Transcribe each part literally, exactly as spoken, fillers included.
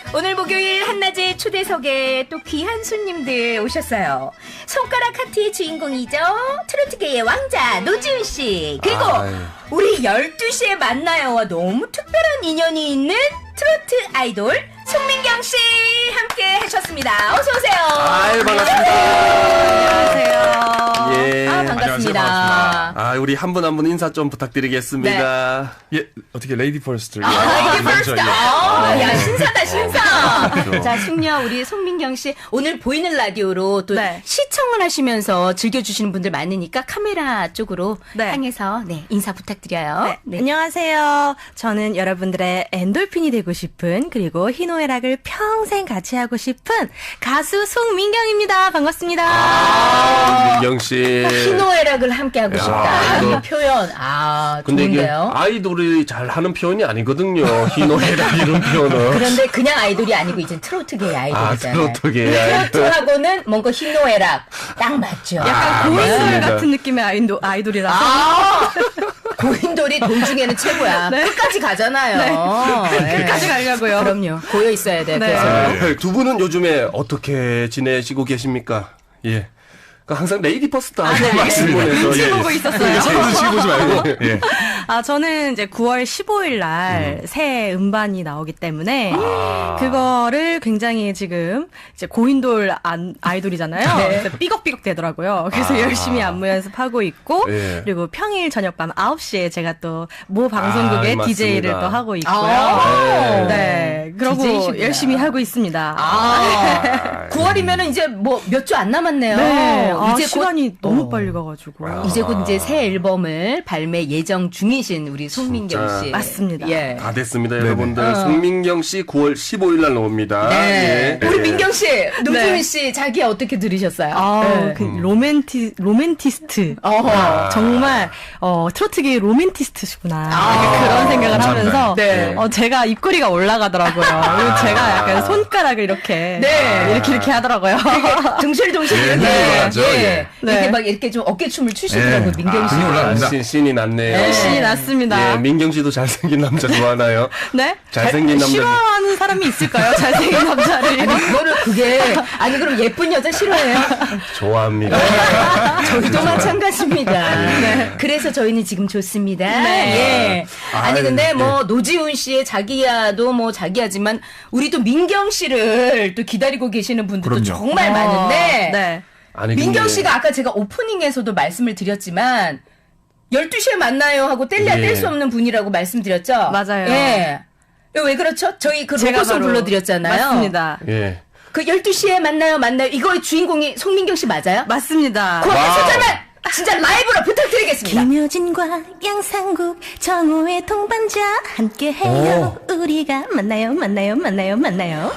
오늘 목요일 한낮의 초대석에 또 귀한 손님들 오셨어요. 손가락 하트의 주인공이죠. 트로트계의 왕자 노지훈 씨. 그리고 아유. 우리 열두 시에 만나요와 너무 특별한 인연이 있는 트로트 아이돌 송민경 씨 함께 하셨습니다. 어서 오세요. 아유, 반갑습니다. 안녕하세요. 예. 아, 반갑습니다. 안녕하세요. 아, 우리 한 분 한 분 인사 좀 부탁드리겠습니다. 네. 예, 어떻게 레이디 퍼스트. 아, 레이디 퍼스트. 예. 아, 네. 야, 신사다, 신사. 그렇죠. 자, 숙녀 우리 송민경 씨 오늘 보이는 라디오로 또 네. 시청을 하시면서 즐겨주시는 분들 많으니까 카메라 쪽으로 네. 향해서 네, 인사 부탁드려요. 네. 네. 안녕하세요. 저는 여러분들의 엔돌핀이 되고 싶은 그리고 희노애락을 평생 같이 하고 싶은 가수 송민경입니다. 반갑습니다. 아, 민경 씨. 희노애락을 함께 하고 싶다. 이 표현. 아, 근데 좋은데요. 이게 아이돌이 잘 하는 표현이 아니거든요. 희노애락 이런 표현은. 그런데 그냥 아이돌이 아니고 이제 트로트계의 아이돌이잖아요. 아, 트로트계의 아이돌. 트로트하고는 뭔가 희노애락 딱 맞죠. 약간 아, 고인돌 같은 느낌의 아이돌, 아이돌이라서. 아, 고인돌이 돈 중에는 최고야. 네. 끝까지 가잖아요. 네. 네. 끝까지 가려고요. 그럼요. 고여 있어야 돼. 네. 그래서. 아, 두 분은 요즘에 어떻게 지내시고 계십니까? 예. 항상 레이디 퍼스트 하고 아, 네. 말씀을 눈치 예. 보고 있었어요. 눈치 보지 말고. 예. 아, 저는 이제 구월 십오일 날 새 음. 음반이 나오기 때문에 아. 그거를 굉장히 지금 이제 고인돌 안, 아이돌이잖아요. 네. 삐걱삐걱 되더라고요. 그래서 아. 열심히 안무 연습하고 있고 예. 그리고 평일 저녁 밤 아홉 시에 제가 또 모 방송국의 아, 디제이를 또 하고 있고요. 아. 네. 그러고 디제이십니다. 열심히 하고 있습니다. 아. 구월이면은 이제 뭐 몇 주 안 남았네요. 네. 아, 이제 시간이 곧, 너무 어. 빨리 가가지고 아. 이제 곧 이제 새 앨범을 발매 예정 중이신 우리 송민경 씨. 맞습니다. 예. 다 됐습니다, 네네. 여러분들. 어. 송민경 씨 구월 십오일 날 나옵니다. 네. 예. 우리 예. 민경 씨, 노지훈 네. 씨, 자기 어떻게 들으셨어요? 아, 네. 그 로맨티 로맨티스트. 어허. 정말 어, 트로트계의 로맨티스트시구나. 아. 그런 생각을 감사합니다. 하면서 네. 어, 제가 입꼬리가 올라가더라고요. 그리고 제가 약간 손가락을 이렇게 네. 이렇게 이렇게 하더라고요. 둥실둥실 예, 이렇게, 올라가죠, 예. 예. 이렇게 네. 막 이렇게 좀 어깨춤을 추시더라고요, 예. 민경 씨. 등이 올라갑니다. 신, 신이 났네요. 네. 신이 났습니다. 예, 민경 씨도 잘생긴 남자 좋아하나요? 네? 잘생긴 잘- 남자. 싫어하는 사람이 있을까요? 잘생긴 남자를. 아니, 그거를 그게, 아니, 그럼 예쁜 여자 싫어해요? 좋아합니다. 저희도 마찬가지입니다. 네. 그래서 저희는 지금 좋습니다. 네. 예. 아니, 근데 뭐, 노지훈 씨의 자기야도 뭐 자기야지만, 우리 또 민경 씨를 또 기다리고 계시는 분들도 그럼요. 정말 어, 많은데, 네. 아니, 민경 근데- 씨가 아까 제가 오프닝에서도 말씀을 드렸지만, 열두 시에 만나요 하고 뗄래야 예. 뗄 수 없는 분이라고 말씀드렸죠? 맞아요. 예. 이거 왜 그렇죠? 저희 그 제가 로고송 바로 불러드렸잖아요. 맞습니다. 예. 그 열두 시에 만나요, 만나요. 이거의 주인공이 송민경 씨 맞아요? 맞습니다. 그럼 소절만 진짜 라이브로 부탁드리겠습니다. 김효진과 양상국 정호의 동반자 함께해요. 우리가 만나요 만나요 만나요 만나요.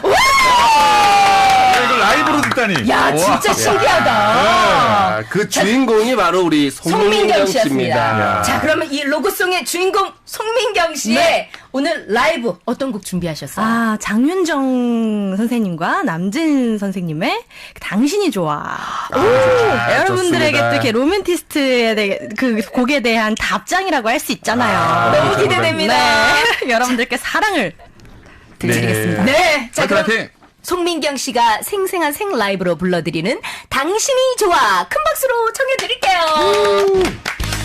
이걸 라이브로 듣다니. 야, 우와. 진짜 신기하다. 아, 그 주인공이 바로 우리 송민경 송민경 씨였습니다. 씨입니다. 야. 자, 그러면 이 로고송의 주인공 송민경 씨의 네. 오늘 라이브 어떤 곡 준비하셨어요? 아, 장윤정 선생님과 남진 선생님의 당신이 좋아. 아, 여러분들에게 좋습니다. 또 이렇게 로맨티스트에 대해 그 곡에 대한 답장이라고 할 수 있잖아요. 아, 너무 기대됩니다. 네. 여러분들께 사랑을 드리겠습니다. 네. 자, 그럼 파이팅! 송민경 씨가 생생한 생 라이브로 불러드리는 당신이 좋아. 큰 박수로 청해드릴게요.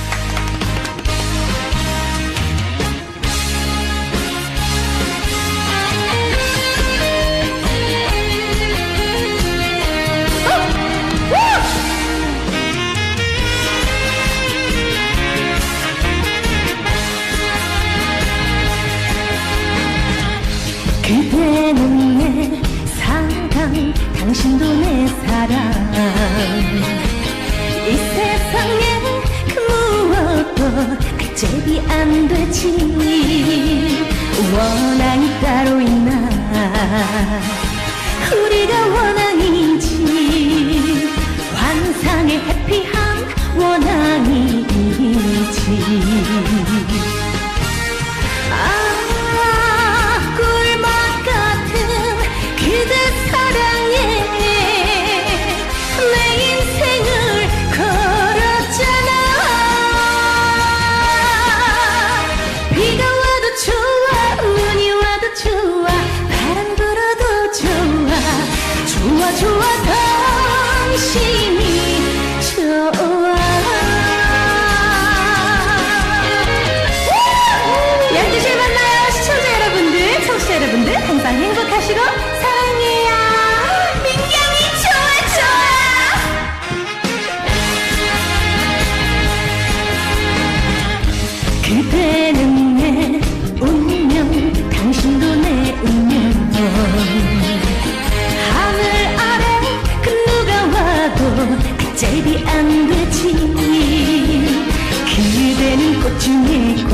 그대는 내 사랑, 당신도 내 사랑. 이 세상에 그 무엇도 급제비 안 되지. 원앙이 따로 있나? 우리가 원앙이지. 환상의 해피한 원앙이지. 아, 꿀맛 같은 그대 사랑에 내 인생을 걸었잖아. 비가 와도 좋아, 눈이 와도 좋아, 바람 불어도 싫어? 사랑해요. 민경이 좋아 좋아. 그대는 내 운명, 당신도 내 운명. 하늘 아래 그 누가 와도 짝이 안 되지. 그대는 꽃중의 꽃,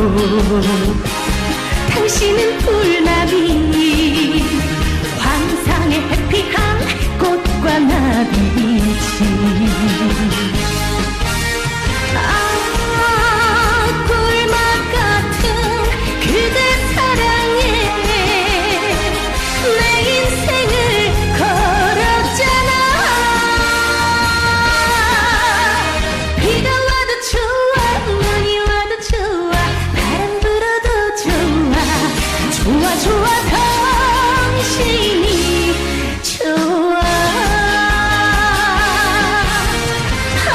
당신은 불나비. 환상의 해피한 꽃과 나비지. 아, 꿀맛 같은 그대 사랑에 내 인생을 걸었잖아. 비가 와도 좋아, 눈이 와도 좋아, 바람 불어도 좋아. 좋아 좋아 당신이 좋아. 아,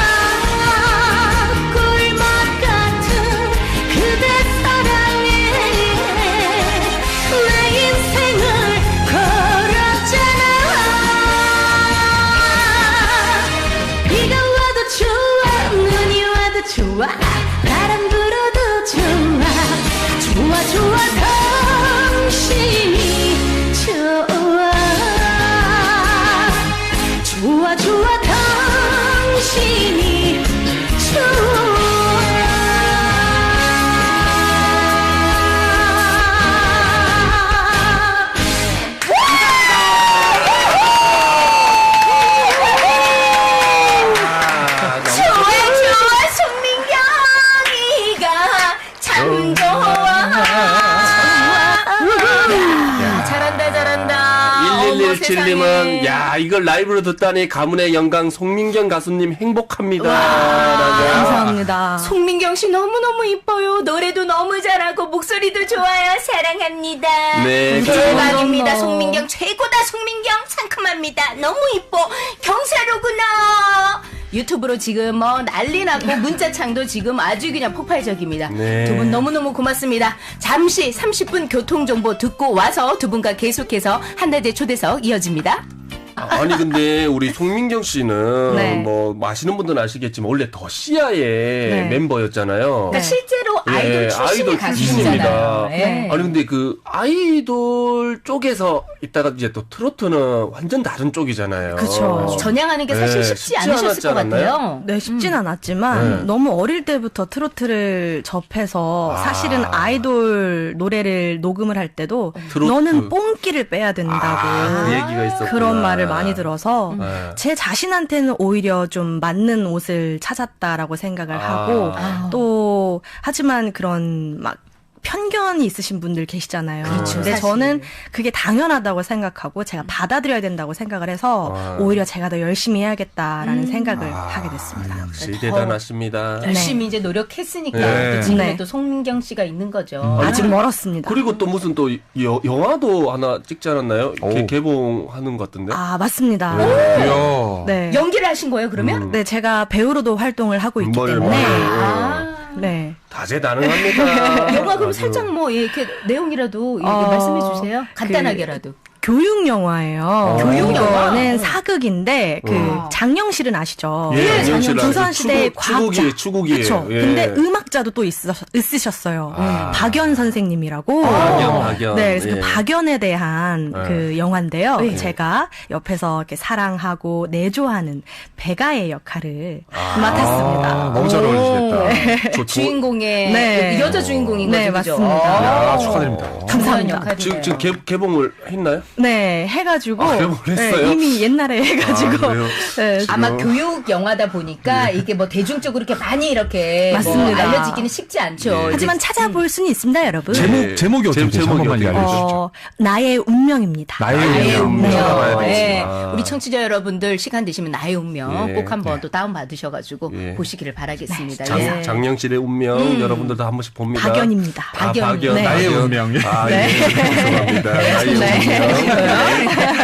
꿀맛 같은 그대 사랑에 내 인생을 걸었잖아. 비가 와도 좋아, 눈이 와도 좋아, 바람 불어도 좋아. 좋아 좋아 당신이 좋아. 좋아 좋아 당신이 좋아. 좋아 좋아 송민경이가 참 좋아. 야, 잘한다 잘한다. 일일일칠님은 야 이걸 라이브로 듣다니 가문의 영광 송민경 가수님 행복합니다. 라고. 감사합니다. 송민경 씨 너무너무 이뻐요. 노래도 너무 잘하고 목소리도 좋아요. 사랑합니다. 네. 대박입니다. 감사합니다. 송민경 최고다. 송민경 상큼합니다. 너무 이뻐. 경사로구나. 유튜브로 지금 뭐 난리 났고 문자창도 지금 아주 그냥 폭발적입니다. 네. 두 분 너무너무 고맙습니다. 잠시 삼십 분 교통정보 듣고 와서 두 분과 계속해서 한낮의 초대석 이어집니다. 아니 근데 우리 송민경 씨는 네. 뭐 아시는 분들은 아시겠지만 원래 더 시아의 네. 멤버였잖아요. 그러니까 실제로 예, 아이돌 출신의 아이돌 가수시잖아요. 출신입니다. 예. 아니 근데 그 아이돌 쪽에서 있다가 이제 또 트로트는 완전 다른 쪽이잖아요. 그쵸. 전향하는 게 사실 네, 쉽지 쉽지 않으셨을 않았지 것 않았나요? 같아요. 네, 쉽진 않았지만 네. 너무 어릴 때부터 트로트를 접해서 아. 사실은 아이돌 노래를 녹음을 할 때도 트로트. 너는 뽕기를 빼야 된다고 아, 그 얘기가 있었구나. 그런 말을 많이 들어서 네. 제 자신한테는 오히려 좀 맞는 옷을 찾았다라고 생각을 아. 하고 아. 또 하지만 그런 막 편견이 있으신 분들 계시잖아요. 그렇죠, 근데 사실. 저는 그게 당연하다고 생각하고 제가 받아들여야 된다고 생각을 해서 아. 오히려 제가 더 열심히 해야겠다라는 음. 생각을 아, 하게 됐습니다. 역시 대단하십니다. 열심히 이제 노력했으니까 네. 또 지금의 네. 또 송민경 씨가 있는 거죠. 아직 멀었습니다. 그리고 또 무슨 또 여, 영화도 하나 찍지 않았나요? 오. 개, 개봉하는 것 같은데. 아, 맞습니다. 이야. 네. 연기를 하신 거예요, 그러면? 음. 네, 제가 배우로도 활동을 하고 있기 뭘, 때문에 뭘. 아. 네. 다재다능합니다. 영화 그럼 아주. 살짝 뭐 예, 이렇게 내용이라도 예, 어, 말씀해 주세요. 간단하게라도. 교육 영화예요. 교육 영화? 이거는 사극인데 그 음. 장영실은 아시죠? 예, 네, 장영실 알죠. 조선시대 추구- 과학자. 추구기에, 추구기에. 그렇죠. 예. 근데 음악자도 또 있으, 있으셨어요. 아. 박연 선생님이라고. 박연, 박연. 네, 그래서 예. 그 박연에 대한 예. 그 영화인데요. 예. 제가 옆에서 이렇게 사랑하고 내조하는 배가의 역할을 아. 맡았습니다. 아, 너무 잘 어울리시겠다. 저 조- 주인공의 네. 그 여자 주인공인 거죠, 네, 그죠? 맞습니다. 야, 축하드립니다. 감사합니다. 역할이네요. 지금, 지금 개, 개봉을 했나요? 네, 해가지고 아, 개봉을 했어요? 네, 이미 옛날에 해가지고 아, 그래요? 네, 아마 교육 영화다 보니까 이게 뭐 대중적으로 이렇게 많이 이렇게 뭐 맞습니다. 알려지기는 쉽지 않죠. 예. 하지만 이제 찾아볼 수는 있습니다, 여러분. 제목, 네. 제목이 어떻게 제- 되죠? 제목이 한 번만 어떻게 알려주시죠. 어, 나의 운명입니다. 나의 나의 운명. 운명. 찾아봐야 되지. 예. 아. 우리 청취자 여러분들 시간 되시면 나의 운명 예. 꼭 한번 또 다운 받으셔가지고 예. 보시기를 바라겠습니다. 장, 예. 장영실의 운명 여러분들도 한 번씩 봅니다. 박연입니다. 아, 박연. 박연. 네. 나의 박연. 운명. 아, 네. 예. 죄송합니다. 나의 운명.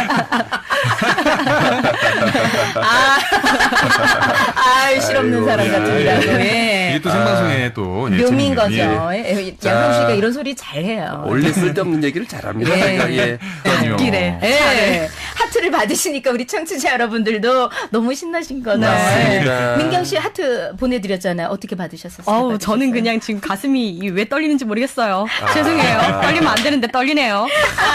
아, 아, 실없는 사람 같습니다. 예. 이게 또 생방송에 또 예, 묘미인 재밌는, 거죠. 예. 예, 양성 씨가 이런 소리 잘해요. 원래 쓸데없는 얘기를 잘합니다. 예. 제가. 예. 아니요. 웃기네. 예. 하트를 받으시니까 우리 청취자 여러분들도 너무 신나신 거죠. 맞습니다. 예. 민경 씨 하트 보내드렸잖아요. 어떻게 받으셨어요? 어우, 저는 그냥 지금 가슴이 왜 떨리는지 모르겠어요. 죄송해요. 떨리면 안 되는데 떨리네요.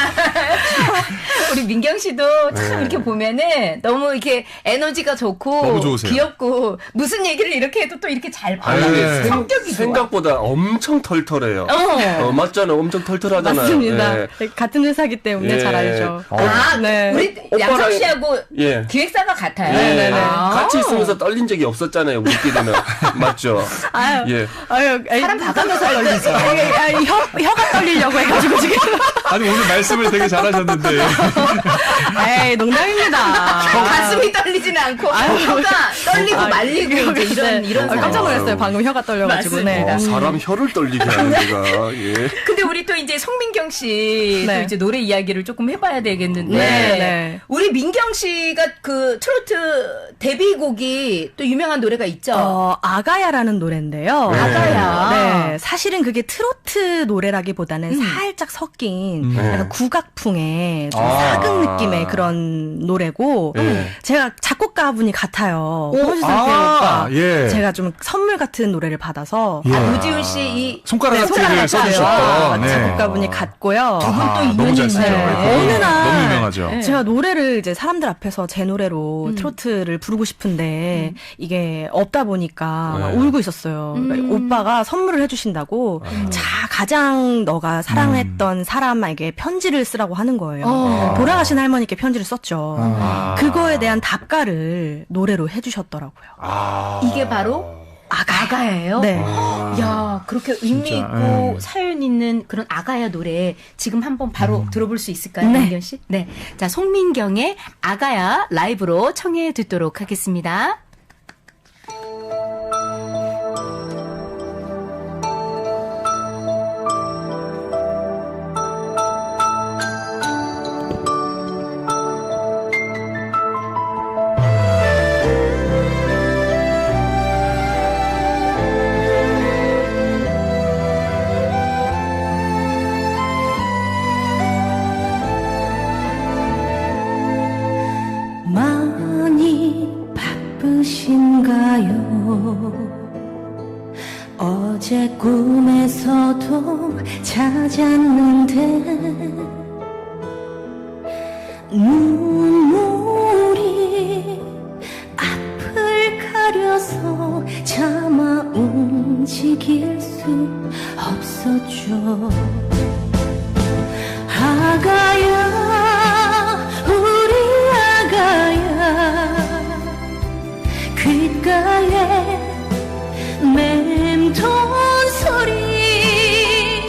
우리 민경 씨도 참 네. 이렇게 보면은 너무 이렇게 에너지가 좋고 너무 좋으세요. 귀엽고 무슨 얘기를 이렇게 해도 또 이렇게 잘 아유, 받아요. 네. 성격이 좋아. 생각보다 엄청 털털해요. 어. 어, 맞잖아요. 엄청 털털하잖아요. 맞습니다. 예. 같은 회사기 때문에 예. 잘 알죠. 아, 네. 우리 오빠랑- 양석 씨하고 예. 기획사가 같아요. 예. 네네네. 아. 같이 있으면서 떨린 적이 없었잖아요. 우리끼리는. 맞죠? 아유, 예. 아유, 에이, 사람 봐가면서 떨리죠. 아유, 아유, 혀, 혀가 떨리려고 해가지고 지금. 아니 오늘 말씀을 되게 잘하셨는데 에이, 농담입니다. 가슴이 떨리지는 않고 혀가 떨리고 아, 말리고 이제 이런 네. 이런 아, 상황. 깜짝 놀랐어요. 방금 혀가 떨려가지고. 네. 어, 사람 혀를 떨리게 하는 데가. 예. 근데 우리 또 이제 송민경 씨 또 네. 이제 노래 이야기를 조금 해봐야 되겠는데 네, 네. 우리 민경 씨가 그 트로트 데뷔곡이 또 유명한 노래가 있죠. 어, 아가야라는 노래인데요. 네. 아가야. 네, 사실은 그게 트로트 노래라기보다는 살짝 섞인 음. 약간 국악풍의 좀 아. 사극 느낌의 그런 노래고 네. 제가 작곡가분이 같아요. 홍수선 아, 오빠. 예. 제가 좀 선물 같은 노래를 받아서 예. 아, 노지훈 씨이 손가락 네, 하트를 손가락 써주셨던 아, 네. 작곡가분이 같고요. 아, 또 너무 잘 쓰죠. 인연이 네. 있네. 어느 날 너무 유명하죠. 네. 제가 노래를 이제 사람들 앞에서 제 노래로 음. 트로트를 부르고 싶은데 이게 없다 보니까 막 네. 울고 있었어요. 그러니까 음. 오빠가 선물을 해주신다고 자 가장 너가 사랑했던 사람에게 편지를 쓰라고 하는 거예요. 어. 돌아가신 할머니께 편지를 썼죠. 아. 그거에 대한 답가를 노래로 해주셨더라고요. 아. 이게 바로 아가. 아가야예요. 네. 야 그렇게 의미 진짜, 있고 예. 사연 있는 그런 아가야 노래 지금 한번 바로 들어볼 수 있을까요, 네. 민경 씨? 네. 자 송민경의 아가야 라이브로 청해 듣도록 하겠습니다. 많이 바쁘신가요? 어제 꿈에서도 찾았는데 눈물이 앞을 가려서 차마 움직일 수 없었죠. 아가야 우리 아가야 귓가에 맴돈 소리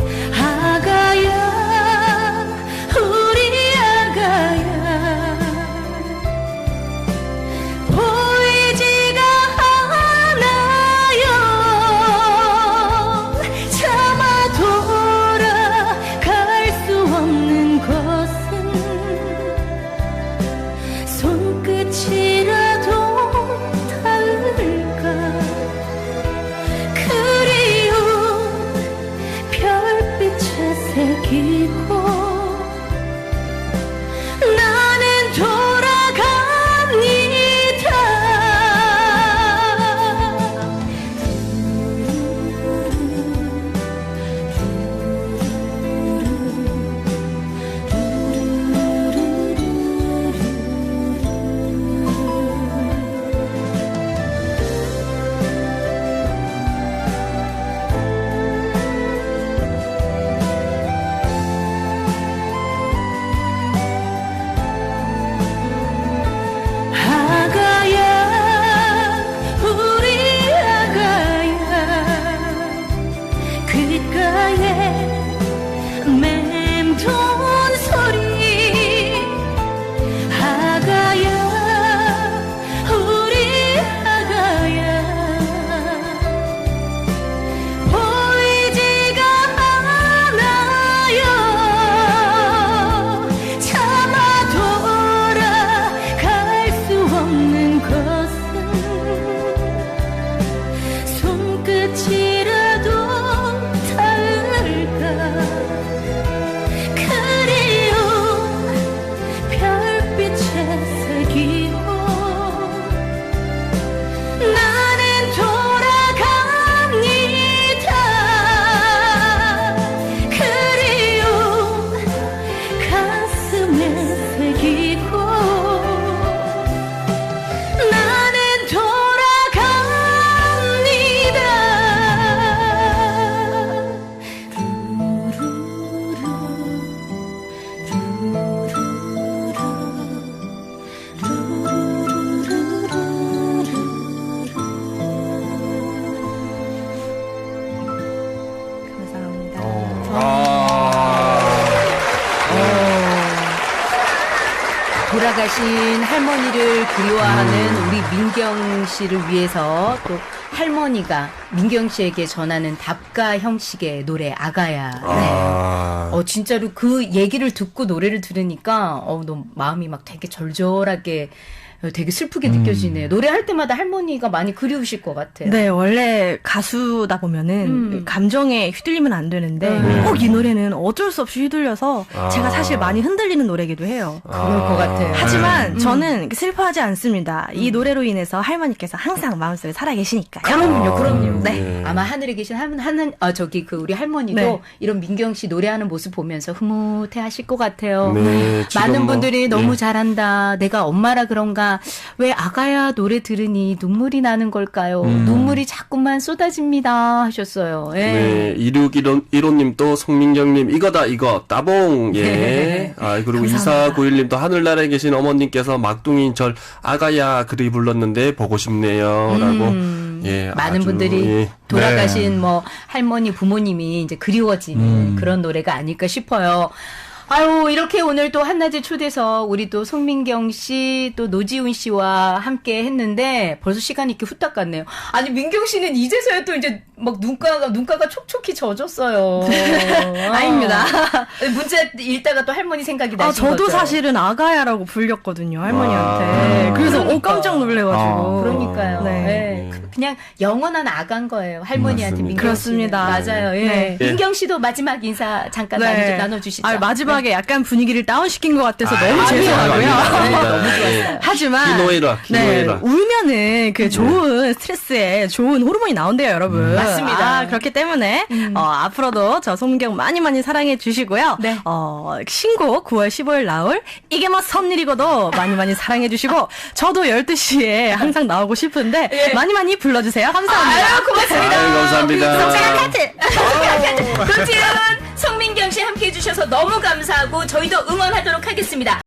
아가야 우리 아가야 보이지가 않아요 차마 돌아 돌아가신 할머니를 그리워하는 우리 민경 씨를 위해서 또 할머니가 민경 씨에게 전하는 답가 형식의 노래 아가야. 아. 어 진짜로 그 얘기를 듣고 노래를 들으니까 어 너무 마음이 막 되게 절절하게 되게 슬프게 느껴지네요. 노래할 때마다 할머니가 많이 그리우실 것 같아요. 네, 원래 가수다 보면은 음. 감정에 휘둘리면 안 되는데 음. 꼭 이 노래는 어쩔 수 없이 휘둘려서 아. 제가 사실 많이 흔들리는 노래기도 해요. 그럴 것 같아요. 하지만 음. 저는 슬퍼하지 않습니다. 이 노래로 인해서 할머니께서 항상 마음속에 살아계시니까요. 그럼요, 그럼요. 네. 아마 하늘에 계신 하는, 하는 아 저기 그 우리 할머니도 네. 이런 민경 씨 노래하는 모습 보면서 흐뭇해하실 것 같아요. 네, 지금 많은 뭐, 분들이 너무 예. 잘한다. 내가 엄마라 그런가. 왜 아가야 노래 들으니 눈물이 나는 걸까요? 눈물이 자꾸만 쏟아집니다 하셨어요. 예. 네, 이육일오님도 송민경님 이거다 이거 따봉 예. 네. 아 그리고 감사합니다. 이사구일님도 하늘나라에 계신 어머님께서 막둥이인 절 아가야 그리 불렀는데 보고 싶네요라고 음, 예 많은 아주, 분들이 예. 돌아가신 뭐 할머니 부모님이 이제 그리워지는 그런 노래가 아닐까 싶어요. 아유 이렇게 오늘 또 한낮의 초대석 우리 또 송민경 씨 또 노지훈 씨와 함께 했는데 벌써 시간이 이렇게 후딱 갔네요. 아니 민경 씨는 이제서야 또 이제 막 눈가가 눈가가 촉촉히 젖었어요. 아닙니다. 문자 읽다가 또 할머니 생각이 아, 나신 저도 거죠? 사실은 아가야라고 불렸거든요, 할머니한테. 와. 그래서 그러니까. 어, 깜짝 놀래가지고. 아. 그러니까요. 네. 네. 그- 그냥 영원한 아간 거예요. 할머니한테 맞습니다. 민경 그렇습니다. 씨는. 맞아요. 예. 네. 민경 씨도 마지막 인사 잠깐 네. 나눠, 주시죠 아, 마지막에 약간 분위기를 다운시킨 것 같아서 너무 아니요, 죄송하고요. 아닙니다. 너무 예. 좋았어요. 하지만 기노이라, 기노이라. 네, 울면은 그 좋은 스트레스에 좋은 호르몬이 나온대요, 여러분. 맞습니다. 아, 그렇기 때문에 어, 앞으로도 저 송민경 많이 많이 사랑해 주시고요. 네. 어, 신곡 구월 십오일 나올 이게 뭐 섭일이고도 많이 많이 사랑해 주시고 저도 열두 시에 항상 나오고 싶은데 예. 많이 많이 불러주세요. 감사합니다. 아유 고맙습니다. 아유, 감사합니다. 성사가 카트. 도지은 송민경 씨 함께 해주셔서 너무 감사하고 저희도 응원하도록 하겠습니다.